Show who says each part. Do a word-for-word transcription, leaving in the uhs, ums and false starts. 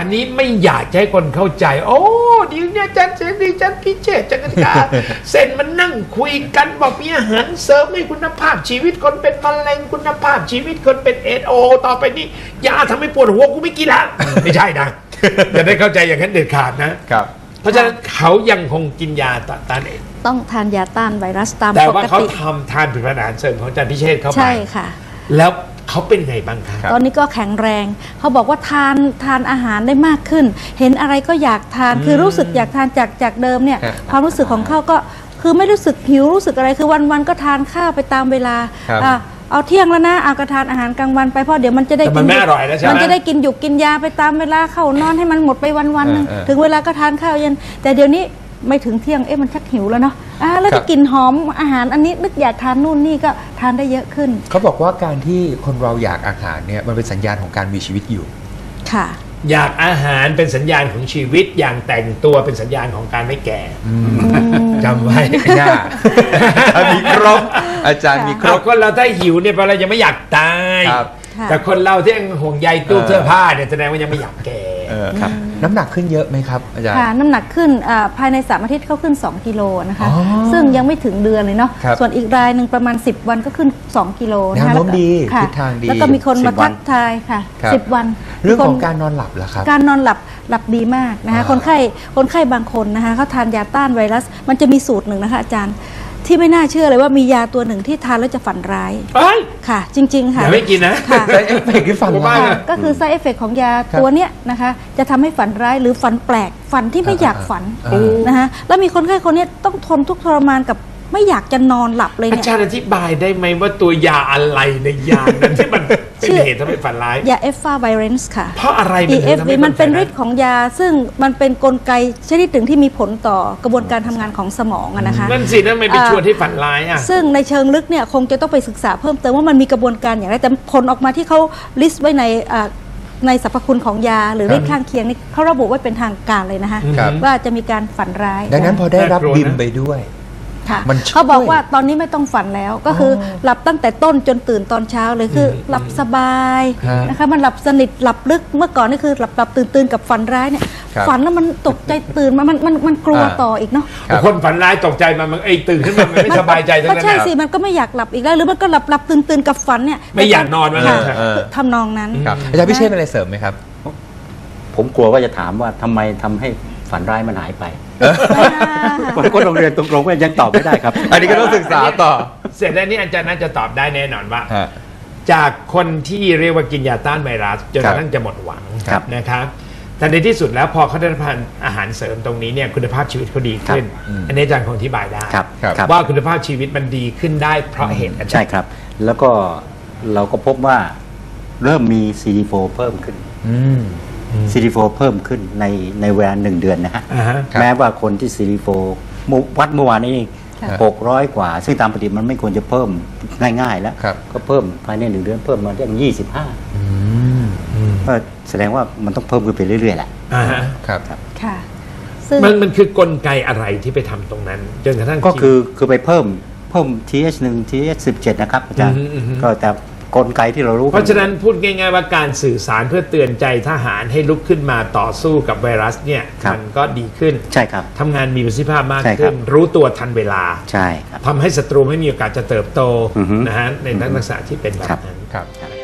Speaker 1: อันนี้ไม่อยากให้คนเข้าใจโอ้ดีเนี่ยอาจารย์เสรีอาจารย์พิเชษจักรกาเส้นมันนั่งคุยกันบอกมีอาหารเสริมให้คุณภาพชีวิตคนเป็นมะเร็งคุณภาพชีวิตคนเป็นเอดโอต่อไปนี้ยาทำให้ปวดหัวกูไม่กินละไม่ใช่นะจะได้เข้าใจอย่างนั้นเด็ดขาดนะครับเพราะฉะนั้นเขายังคงกินยาต้านเอด
Speaker 2: ต้องทานยาต้านไวรัสตามปกติ
Speaker 1: แต่ว่าเขาทำทานผลิตภัณฑ์อาหารเสริมของอาจารย์พิเชษเข้าไป
Speaker 2: ใช่ค่ะ
Speaker 1: แล้วเขาเป็นไงบ้างครับ
Speaker 2: ตอนนี้ก็แข็งแรงเขาบอกว่าทานทานอาหารได้มากขึ้นเห็นอะไรก็อยากทานคือรู้สึกอยากทานจากจากเดิมเนี่ยความรู้สึกของเขาก็คือไม่รู้สึกหิวรู้สึกอะไรคือวันๆก็ทานข้าวไปตามเวลาเอาเที่ยงแล้วนะเอากระทานอาหารกลางวันไปเพราะเดี๋ยวมันจะได้กินมันจะได้กินหยุกกินยาไปตามเวลาเข้านอนให้มันหมดไปวันๆนึงถึงเวลาก็ทานข้าวเย็นแต่เดี๋ยวนี้ไม่ถึงเที่ยงเอ๊ะมันชักหิวแล้วเนาะอ่าแล้วก็กินหอมอาหารอันนี้นึกอยากทานนู่นนี่ก็ทานได้เยอะขึ้น
Speaker 3: เขาบอกว่าการที่คนเราอยากอาหารเนี่ยมันเป็นสัญญาณของการมีชีวิตอยู่
Speaker 2: ค่ะ
Speaker 1: อยากอาหารเป็นสัญญาณของชีวิตอย่างแต่งตัวเป็นสัญญาณของการไม่แก่จำไว้
Speaker 3: น่ามีครบอาจารย์มีครบ
Speaker 1: คนเราถ้าหิวเนี่ยเรายังไม่อยากตายแต่คนเราที่ยังห่วงใยตู้เสื้อผ้าเนี่ยแสดงว่ายังไม่อยากแก่
Speaker 3: ครับน้ำหนักขึ้นเยอะไหมครับอาจารย์
Speaker 2: ค่ะน้ำหนักขึ้นภายในสามอาทิตย์เขาขึ้นสองกิโลนะคะซึ่งยังไม่ถึงเดือนเลยเนาะส่วนอีกรายหนึ่งประมาณสิบวันก็ขึ้นสองกิโล
Speaker 3: นะคะแล้วก็ดีทิศทางดี
Speaker 2: แล้วก็มีคนมาทักทายค่ะสิบวัน
Speaker 3: เรื่องของการนอนหลับล่ะครับ
Speaker 2: การนอนหลับหลับดีมากนะคะคนไข้คนไข้บางคนนะคะเขาทานยาต้านไวรัสมันจะมีสูตรหนึ่งนะคะอาจารย์ที่ไม่น่าเชื่อเลยว่ามียาตัวหนึ่งที่ทานแล้วจะฝันร้ายค่ะจริงๆค่ะ
Speaker 1: ไม่กินนะ
Speaker 2: ค่ะ
Speaker 3: ไซเอฟเฟกต์ที่ฝันร้าย
Speaker 2: ก็คือไซเอฟเฟกต์ของยาตัวเนี้ยนะคะจะทำให้ฝันร้ายหรือฝันแปลกฝันที่ไม่อยากฝันนะคะแล้วมีคนไข้คนนี้ต้องทนทุกข์ทรมานกับไม่อยากจะนอนหลับเลยเนี่ย
Speaker 1: อาจารย์อธิบายได้ไหมว่าตัวยาอะไรในยานั้นที่มันเป็นเหตุทำให้ฝันร้าย
Speaker 2: ยาเอฟฟาไวเรนซ์ค่ะ
Speaker 1: เพราะอะไร
Speaker 2: มันถึงทำให้มันเป็นฤทธิ์ของยาซึ่งมันเป็นกลไกชนิดหนึ่งที่มีผลต่อกระบวนการทำงานของสมองนะคะ
Speaker 1: นั่นสินั่นไม่ไปชวนที่ฝันร้ายอ่ะ
Speaker 2: ซึ่งในเชิงลึกเนี่ยคงจะต้องไปศึกษาเพิ่มเติมว่ามันมีกระบวนการอย่างไรแต่ผลออกมาที่เขาลิสต์ไว้ในในสรรพคุณของยาหรือฤทธิ์ข้างเคียงนี่เขาระบุไว้เป็นทางการเลยนะคะว่าจะมีการฝันร้าย
Speaker 3: ดังนั้นพอได้รับบิมไปด้วย
Speaker 2: เขาบอกว่าตอนนี้ไม่ต้องฝันแล้วก็คือหลับตั้งแต่ต้นจนตื่นตอนเช้าเลยคือหลับสบายนะคะมันหลับสนิทหลับลึกเมื่อก่อนนี่คือหลับหลับตื่นตื่นกับฝันร้ายเนี่ยฝันแล้วมันตกใจตื่นมามันมันมันกลัวต่ออีกเนาะ
Speaker 1: คนฝันร้ายตกใจมันมันไอ้ตื่นขึ้นมามันไม่สบายใจทั้งนั้น
Speaker 2: ก็ใช่สิมันก็ไม่อยากหลับอีกแล้วหรือมันก็หลับหลับตื่นตื่นกับฝันเนี่ย
Speaker 1: ไม่อยากนอนมาเลย
Speaker 2: ทำนองนั้น
Speaker 3: อาจารย์พิเชษอะไรเสริมไหมครับ
Speaker 4: ผมกลัวว่าจะถามว่าทำไมทำให้ฝันร้ายมันหายไปคนโรงเรียนตรงๆก็ยังตอบไม่ได้ครับ
Speaker 3: อันนี้ก็ต้องศึกษาต่อ
Speaker 1: เสร็จแล้วนี่อาจารย์น่าจะตอบได้แน่นอนว่าจากคนที่เรียกว่ากินยาต้านไวรัสจนกระทั่งจะหมดหวังนะครับแต่ในที่สุดแล้วพอเขาได้รับอาหารเสริมตรงนี้เนี่ยคุณภาพชีวิตเขาดีขึ้นอันนี้อาจารย์คงอธิบายได้ว่าคุณภาพชีวิตมันดีขึ้นได้เพราะเหตุอะไร
Speaker 4: ใช่ครับแล้วก็เราก็พบว่าเริ่มมี ซี ดี โฟร์ เพิ่มขึ้นซี ดี โฟร์ เพิ่มขึ้นในในเวลาหนึ่งเดือนนะฮะแม้ว่าคนที่ ซี ดี โฟร์ วัดเมื่อวานนี้หกร้อยกว่าซึ่งตามปกติมันไม่ควรจะเพิ่มง่ายๆแล้วก็เพิ่มภายในหนึ่งเดือนเพิ่มมาได้ยี่สิบห้าก็แสดงว่ามันต้องเพิ่มขึ้นไปเรื่อยๆแหละ
Speaker 3: ครับ
Speaker 2: ค่ะ
Speaker 1: มันมันคือกลไกอะไรที่ไปทำตรงนั้นจนกระทั่ง
Speaker 4: ก็คือคือไปเพิ่มเพิ่ม ที เอช หนึ่ง ที เอช สิบเจ็ดนะครับอาจารย์ก็แต่กลไกที่เรารู้
Speaker 1: เพราะฉะนั้นพูดง่ายๆว่าการสื่อสารเพื่อเตือนใจทหารให้ลุกขึ้นมาต่อสู้กับไวรัสเนี่ยมันก็ดีขึ้น
Speaker 4: ใช่ครับ
Speaker 1: ทำงานมีประสิทธิภาพมากขึ้นรู้ตัวทันเวลา
Speaker 4: ใช่ครับ
Speaker 1: ทำให้ศัตรูไม่มีโอกาสจะเติบโตนะฮะในลักษณะที่เป็นแบบนั้น